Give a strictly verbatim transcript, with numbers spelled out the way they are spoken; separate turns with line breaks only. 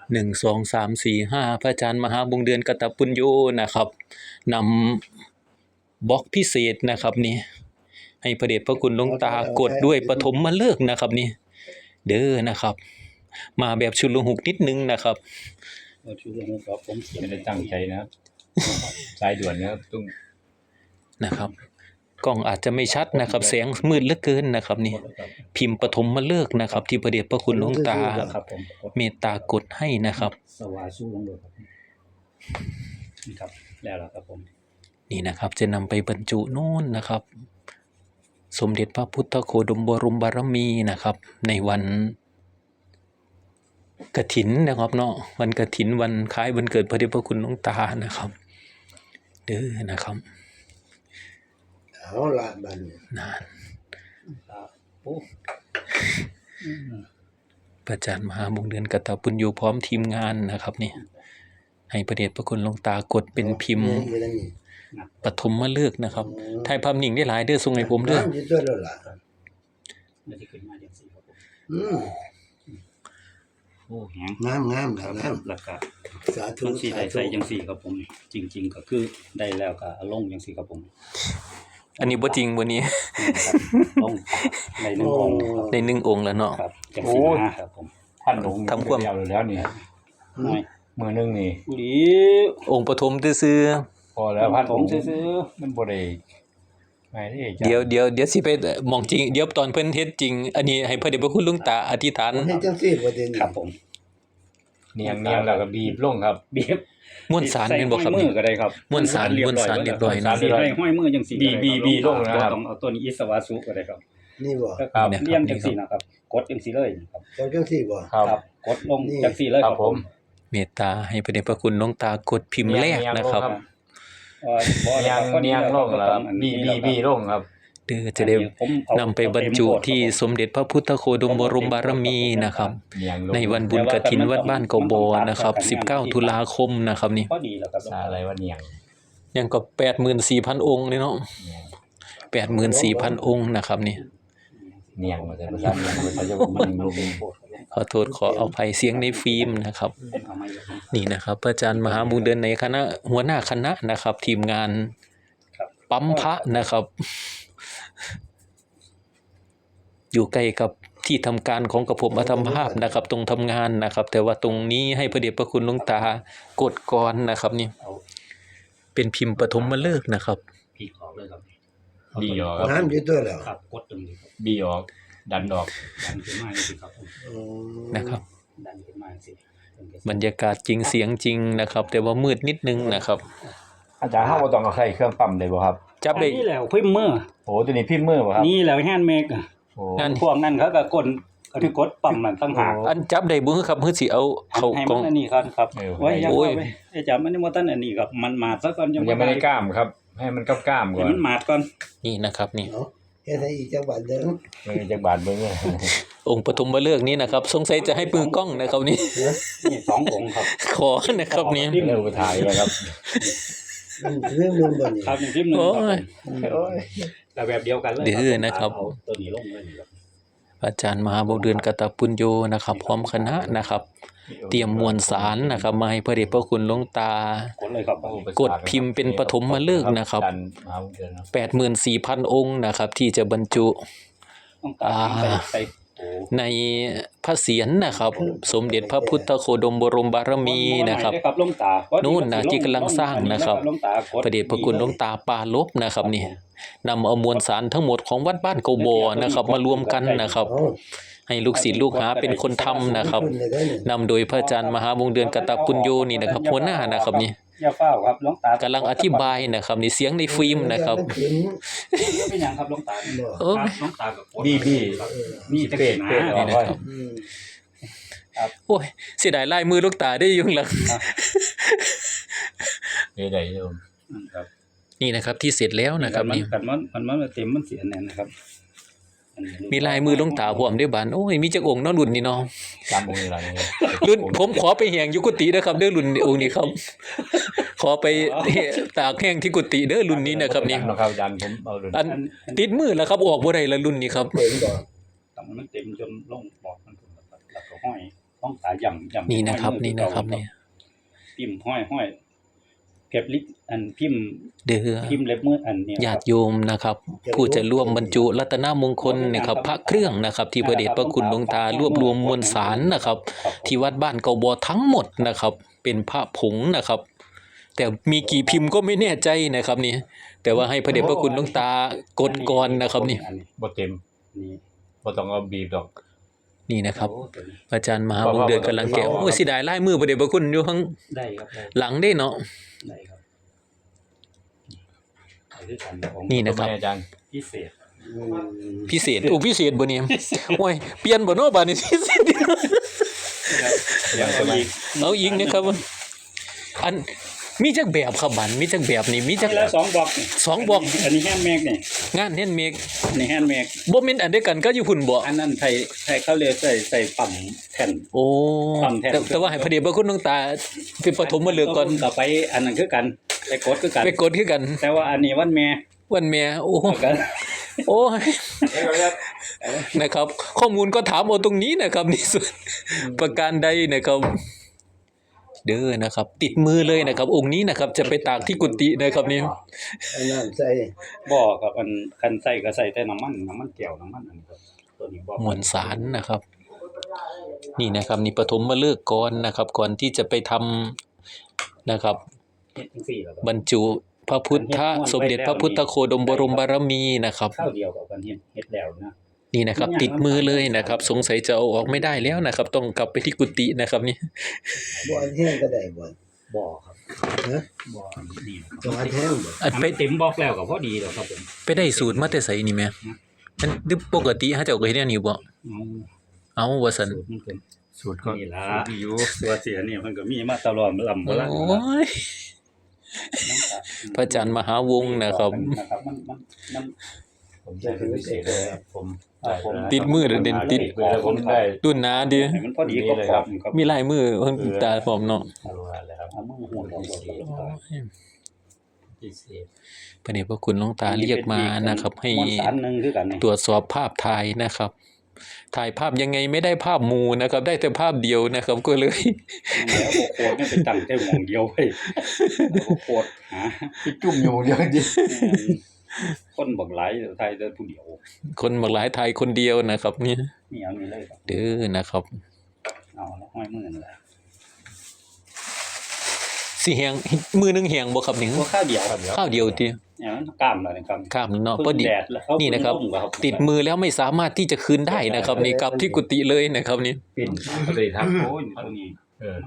หนึ่ง สอง สาม สี่ ห้าพระอาจารย์มหาวงศ์เดือนกตปุญโญนะครับนำบล็อกพิเศษนะครับนี่ให้พระเดชพระคุณหลวงตากดด้วยปฐมฤกษ์นะครับนี่เด้อนะครับมาแบบชุลหุกนิดนึงนะครับ
ชุลหุกครับผมไม่ได้
ตั้งใจนะครับสายด่วนนะครับต้อง
นะครับกล้องอาจจะไม่ชัดนะครับแสงมืดเหลือเกินนะครับนี่พิมพ์ปฐมฤกษ์นะครับที่พระเดชพระคุณหลวงตาเมตตากดให้นะครับ
สวาสู้ลงเลยครับนี่ครับแล้วล่ะครับผม
นี่นะครับจะนำไปบรรจุโน่นนะครับสมเด็จพระพุทธโคดมบรมบารมีนะครับในวันกฐินนะครับเนาะวันกฐินวันคล้ายวันเกิดพระเดชพระคุณหลวงตานะครับเด้อนะครับ
เอาละบัด
นานพระอาจารย์มหาวงศ์เดือนกตปุญโญพร้อมทีมงานนะครับนี่ให้พระเดชพระคุณหลวงตากดเป็นพิมพ์ปฐมฤกษ์นะครับถ่ายภาพนิ่งได้หลายเด้อส่งให้ผมเด้อ
อืม
โอ้แหง
งามงามครับงาม
แล้วก็
สาธุ
สี่ได้ใส่จังสี่ครับผมจริงๆก็คือได้แล้วก็ลงจังสี่ครับผม
อันนี้บ่จริงบ่นี้
ลงในหนึ่งองค์
ในหนึ่งองค์แล้วเนาะ
ครับจังสี่ครับผม
ท่านลงทำความแล้วนี่มือนึงนี่
หลี
องค์ปฐมซื่อ
พอแล้วพันผมซื่อๆมันบ่ได้
เดี๋ยวเดี๋ยวเดี๋ยวสิไปมองจริงเดี๋ยวตอนเพิ่นเฮ็ดจริงอันนี้ให้พระเดชพระคุณหลวงตาอธิษฐาน
เฮ็ดจังซี่บ่ได้
ครับผม
เนียงเนียงแล้วก็บีบลงครับ
บีบ
ม้วนสารเป็นบ่ครับ
มือก็ได้ครับ
ม้วนสารม้วนสารเรียบร้อยนะ
สิให้ห้อยมือจังซี่
บีบีบีลงนะครับ
ต้องเอาตัวนี้อิสวาสุก็ได้ครับ
นี่บ่
ครับเรียงจังซี่นะครับกดจังซี่เลยครับ
กดจังซี่บ่
ครับกดลงจังซี่เลย
ครับผม
เมตตาให้พระเดชพระคุณหลวงตากดพิมพ์แรกนะครับ
เนียงเนียงลงแล้วบีบีบีลงครับ
เด้อจะได้นำไปบรรจุที่สมเด็จพระพุทธโคดมบรมบารมีนะครับในวันบุญกฐินวัดบ้านเกาบอนะครับสิบเก้าตุลาคมนะครับนี่
อะไรวะเนียง
ยังก็ แปดหมื่นสี่พัน องค์นี่เนาะ แปดหมื่นสี่พัน องค์นะครับนี่
เนียงมาแต่ภาษาเนียงภาษาญี่ปุ่นมันลง
ขอโทษขอเอาภัยเสียงในฟิล์มนะครับนี่นะครับพระอาจารย์มหาวงศ์เดือนในคณะหัวหน้าคณะนะครับทีมงานปั๊มพระนะครับอยู่ใกล้กับที่ทำการของกระผมอัตมภาพนะครับตรงทำงานนะครับแต่ว่าตรงนี้ให้พระเดชพระคุณหลวงตากดก่อนนะครับนี่เป็นพิมพ์ปฐมฤกษ์นะครับ
พีออกเลยครับ
บีออก
น้ำอยู่ตัวแล้ว
ครับกดตรงนี้
บีออกดันออก
ดันขึ้นมาสิครับ
นะครับ
ดันขึ้นมาสิ
บรรยากาศจริงเสียงจริงนะครับแต่ว่ามืดนิดนึงนะครับ
อาจารย์เฮาบ่ต้องเอาใส่เครื่องปั๊มได้บ่ครับ
จับได้
นี่แล้วพิมพ์มือ
โอ้ตัวนี้พิมพ์มือบ่ครับ
นี่แล้วแฮนด์เมคอ่ะงานพวกนั้นเขาก็กดก็คือกดปั๊มนั่นต่างหาก
อันจับได้บ่ครับคือสิเอาเข้ากล่อง
อันนี้ครับครับโอ้ยโอ้ยไอ้จับมันนี่บ่ทันอันนี้ครับมันมาดซะก่อน
ยังไม่ได้กล้ามครับให้มันกล้ามๆก่อน
มันมาดก่อน
นี่นะครับนี่
เฮ็ดให้อีกจังหวัดเด้อ
มันจักบาทเบิ่ง
องค์ปฐมฤกษ์นี้นะครับสงสัยจะให้ปืนกล้องนะครับนี่
นี่สององค์ครับ
ขอนะครับนี่
เร็วไปถ่ายเลยครับ
เรื่องนึงบ่นี่
ครับคลิปนึงครับโอ้ยแต่แบบเดียวกันเลย
เด้อนะครับ
ตัวนี้ลงเลยครับ
อาจารย์มหาวงศ์เดือนกตปุญโญนะครับพร้อมคณะนะครับเตรียมมวลสารนะครับมาให้พระเดชพระคุณหลวงตากดพิมพ์เป็นปฐมฤกษ์นะครับ แปดหมื่นสี่พัน องค์นะครับที่จะบรรจุในพระเศียรนะครับสมเด็จพระพุทธโคดมบรมบารมีนะครับนู่นนะที่กำลังสร้างนะครับพระเดชพระคุณหลวงตาปาลบนะครับนี่นำเอามวลสารทั้งหมดของวัดบ้านเกาบอนะครับมารวมกันนะครับให้ลูกศิษย์ลูกหาเป็นคนทำนะครับนำโดยพระอาจารย์มหาวงศ์เดือนกตปุญโญนี่นะครับหัวหน้านะครับนี่
อย่าเฝ้าครับหลวงตาก
ำลังอธิบายนะครับนี่เสียงในฟิล์มนะครับ
เป็นอย่างครับหลวงตา
โอ้
หลวงตากับ
บีบี
นี่จะเป็นนะ
นี่นะครับโอ้ยเสียดายลายมือหลวงตาได้ยุ่งหลัง
นี่ได้โยม
ครับ
นี่นะครับที่เสร็จแล้วนะครับนี่
มันมันมันเต็มมันเสียแน่นะครับ
มีลายมือหลวงตาพร้อมด้วยบานโอ้ยมีจักองค์เนาะรุ่นนี้เนาะ
จำองค์นี้ล่ะนี่
รุ่นผมขอไปแห้งอยู่กุฏินะครับเด้อรุ่นองค์นี้ครับขอไปตากแห้งที่กุฏิเด้อรุ่นนี้นะครับนี่
ครับอาจารย์ผมเอารุ่น
อันติดมือแล้วครับออกบ่ได้แล้วรุ่นนี้ครับ
เต็มบ่มันเต็มจนลงบอกมันแล้วก็ห้อยต้องตาย่ำย่ำ
นี่นะครับนี่นะครับนี่
พิมพ์ห้อยห้อยเก็บลิปอันพิมพ์
เด้อ
พิมพ์เล็บมืออันเนี้ย
ญาติโยมนะครับ ผู้จะร่วมบรรจุรัตนมงคลนะครับพระเครื่องนะครับ ที่พระเดชพระคุณหลวงตารวบรวมมวลสารนะครับ ที่วัดบ้านเกาบอทั้งหมดนะครับ เป็นพระผงนะครับ แต่มีกี่พิมพ์ก็ไม่แน่ใจนะครับนี่แต่ว่าให้พระเดชพระคุณหลวงตากดก่อนนะครับนี่
อันนี้
บ่เต็ม
นี่
บ่ต้องเอาบีบดอก
นี่นะครับ
โอ้ตัวนี้
อาจารย์มหาวงศ์เดือนกำลังแกะโอ้ยเสิได้ลายมือพระเดชพระคุณอยู่ข้าง
ได้ครับได้
หลังได้เนาะ
ได้ครับได้ด้วยกันของ
นี่นะครับ
ทำไมอาจารย์
พิเศษ
อืม
พิเศษโอ้พิเศษบ่เนี่ยโอ้ยเปลี่ยนบ่เนาะบัดนี้ พิเศษ
เดี๋ยวเอาอีก
เอาอีกนะครับอันมีจักแบบครับบัดมีจักแบบนี่มีจัก
ทีละสองบล็อกนี่
สองบล็อก
อันนี้แฮนด์เมดนี่
งานเฮ็ดเมก
อันนี้แฮนด์เมด
บ่แม่นอันเดียวกันก็อยู่พุ่นบ่
อันนั้นไทยไทยเขาเรียกใส่ใส่ปั๊มแผ่น
โอ้
ปั๊มแทน
แต่แต่ว่าให้พระเดชพระคุณหลวงตาเป็นปฐมฤกษ์ก่อน
ต่อไปอันนั้นคือกันไปกดคือกัน
ไปกดคือกัน
แต่ว่าอันนี้วันแม่
วันแม่โอ้
กัน
โอ้ยนะครับ ข้อมูลก็ถามเอาตรงนี้นะครับนี่ส่วนประการใดนะครับ เด้อนะครับ ติดมือเลยนะครับ องค์นี้นะครับ จะไปตากที่กุฏินะครับนี่
เอาน้ำใส่
บ่ครับอันคันใส่ก็ใส่แต่น้ำมันน้ำมันแก้วน้ำมันอันนี้ครับตัวนี้บ่
มวลสารนะครับ นี่นะครับ นี่ปฐมฤกษ์ก่อนนะครับ ก่อนที่จะไปทำนะครับ
เฮ็ดจังซี่แล้วก็
บรรจุพระพุทธสมเด็จพระพุทธโคดมบรมบารมีนะครับ
ข้าวเดียวกับกันเฮ็ดเฮ็ดแล้วนะ
นี่นะครับ ติดมือเลยนะครับ สงสัยจะเอาออกไม่ได้แล้วนะครับ ต้องกลับไปที่กุฏินะครับนี่
บ่อันแห้งก็ได้บ่
บ่ครับ
ฮะ
บ่ดี
ต้องอันแห้งบ่
อัน
ไป
ไป
เต็มบล็อกแล้วก็พอดีแล้วครับผม
ไปได้สูตรมาแต่ไสนี่แม่มันดึปกติฮะเจ้าก็เฮ็ดแนวนี้บ่
เอา
เอาว่าซั่น
สูตรมันเป็น
สูตรก็
นี่ล่ะ
สูตรที่อยู่
ตัวเสียนี่มันก็มีมาตลอดลำ
โอ
บ่ละ
้ยพระอาจารย์มหาวงศ์นะครับ
นะครับมันมันมัน
ผมใช้เป็นพิเศษเลยครับผม
อ่าผม
ติดมือเด่นติด
แล้วผมได้
ตุ้นหนาดิ
ให้มันพอดีก็พอครับ
มีลายมือเพิ่นตาผมเนาะ
เอาละครับ
เอามือหุ่นของเรา
พิเศษ
พระเดชพระคุณหลวงตาเรียกมานะครับ ให้
มวลสารหนึงคือกันนี่
ตรวจสอบภาพถ่ายนะครับ ถ่ายภาพยังไงไม่ได้ภาพหมู่นะครับ ได้แต่ภาพเดียวนะครับ ก็เลย
แล้วโคตรนี่ไปตั้งแต่หม่องเดียวเว้ยโคตรหา
ที่จุ่มอยู่เดียวจริง
คนบักหลายไทยแต่ผู้เดียว
คนบางหลายถ่ายคนเดียวนะครับนี่
นี่เอานี่เลยครับ
เด้อนะครับ
เอาแล้วห้อยมือนั่นแหละ
สิแหงมือหนึงแหงบ่ครับนี่
ตัวข้าวเดียวครับ
ข้าวเดียวติ
อย่างนั้นกล้ามเลยนะครับ
ข้ามเนาะพอดี
แดดแล้ว
นี่นะครับ ติดมือแล้วไม่สามารถที่จะคืนได้นะครับ นี่กลับที่กุฏิเลยนะครับนี่
ปิ่นปฏิทักษ์
โอ้ยตัวนี้
เออ